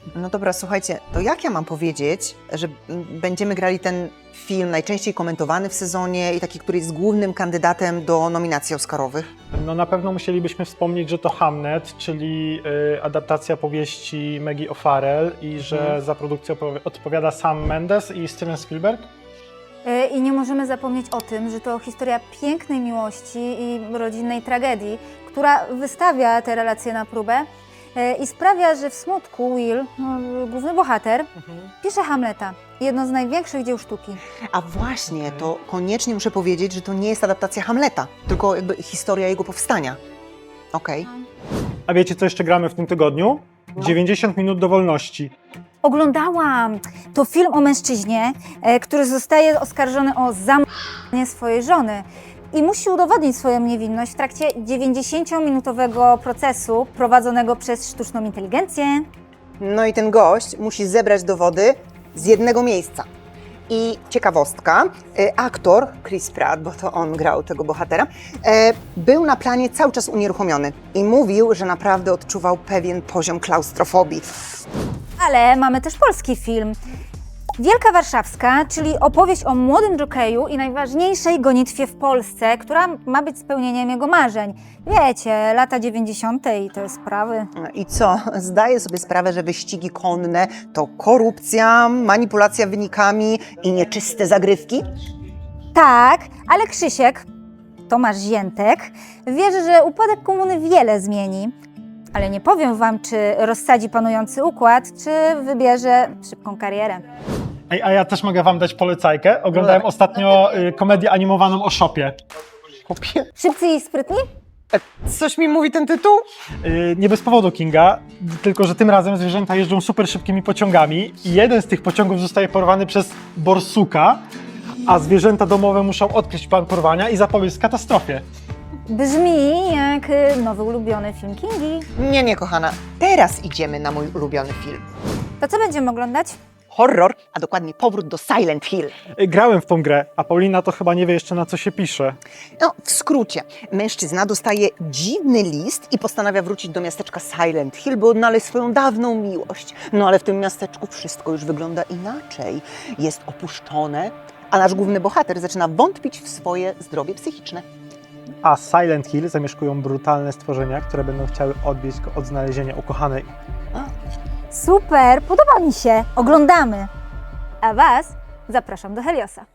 No dobra, słuchajcie, to jak ja mam powiedzieć, że będziemy grali ten film najczęściej komentowany w sezonie i taki, który jest głównym kandydatem do nominacji oscarowych? No na pewno musielibyśmy wspomnieć, że to Hamnet, czyli adaptacja powieści Maggie O'Farrell i że za produkcję odpowiada Sam Mendes i Steven Spielberg. I nie możemy zapomnieć o tym, że to historia pięknej miłości i rodzinnej tragedii, która wystawia te relacje na próbę i sprawia, że w smutku Will, główny bohater, pisze Hamleta, jedno z największych dzieł sztuki. A właśnie, to koniecznie muszę powiedzieć, że to nie jest adaptacja Hamleta, tylko jakby historia jego powstania. Okej. A wiecie, co jeszcze gramy w tym tygodniu? 90 minut do wolności. Oglądałam! To film o mężczyźnie, który zostaje oskarżony o zamordowanie swojej żony i musi udowodnić swoją niewinność w trakcie 90-minutowego procesu prowadzonego przez sztuczną inteligencję. No i ten gość musi zebrać dowody z jednego miejsca. I ciekawostka, aktor Chris Pratt, bo to on grał tego bohatera, był na planie cały czas unieruchomiony i mówił, że naprawdę odczuwał pewien poziom klaustrofobii. Ale mamy też polski film. Wielka Warszawska, czyli opowieść o młodym jokeju i najważniejszej gonitwie w Polsce, która ma być spełnieniem jego marzeń. Wiecie, lata 90. i te sprawy. I co? Zdaję sobie sprawę, że wyścigi konne to korupcja, manipulacja wynikami i nieczyste zagrywki? Tak, ale Krzysiek, Tomasz Ziętek, wierzy, że upadek komuny wiele zmieni. Ale nie powiem wam, czy rozsadzi panujący układ, czy wybierze szybką karierę. Ej, a ja też mogę wam dać polecajkę. Oglądałem ostatnio komedię animowaną o Shopie. Szybcy i sprytni? Coś mi mówi ten tytuł? Nie bez powodu, Kinga, tylko że tym razem zwierzęta jeżdżą super szybkimi pociągami i jeden z tych pociągów zostaje porwany przez borsuka, a zwierzęta domowe muszą odkryć plan porwania i zapobiec katastrofie. Brzmi jak nowy ulubiony film Kingi. Nie, kochana. Teraz idziemy na mój ulubiony film. To co będziemy oglądać? Horror, a dokładnie powrót do Silent Hill. Grałem w tą grę, a Paulina to chyba nie wie jeszcze, na co się pisze. No, w skrócie, mężczyzna dostaje dziwny list i postanawia wrócić do miasteczka Silent Hill, by odnaleźć swoją dawną miłość. No ale w tym miasteczku wszystko już wygląda inaczej. Jest opuszczone, a nasz główny bohater zaczyna wątpić w swoje zdrowie psychiczne. A Silent Hill zamieszkują brutalne stworzenia, które będą chciały odbić go od znalezienia ukochanej. Super, podoba mi się. Oglądamy. A was zapraszam do Heliosa.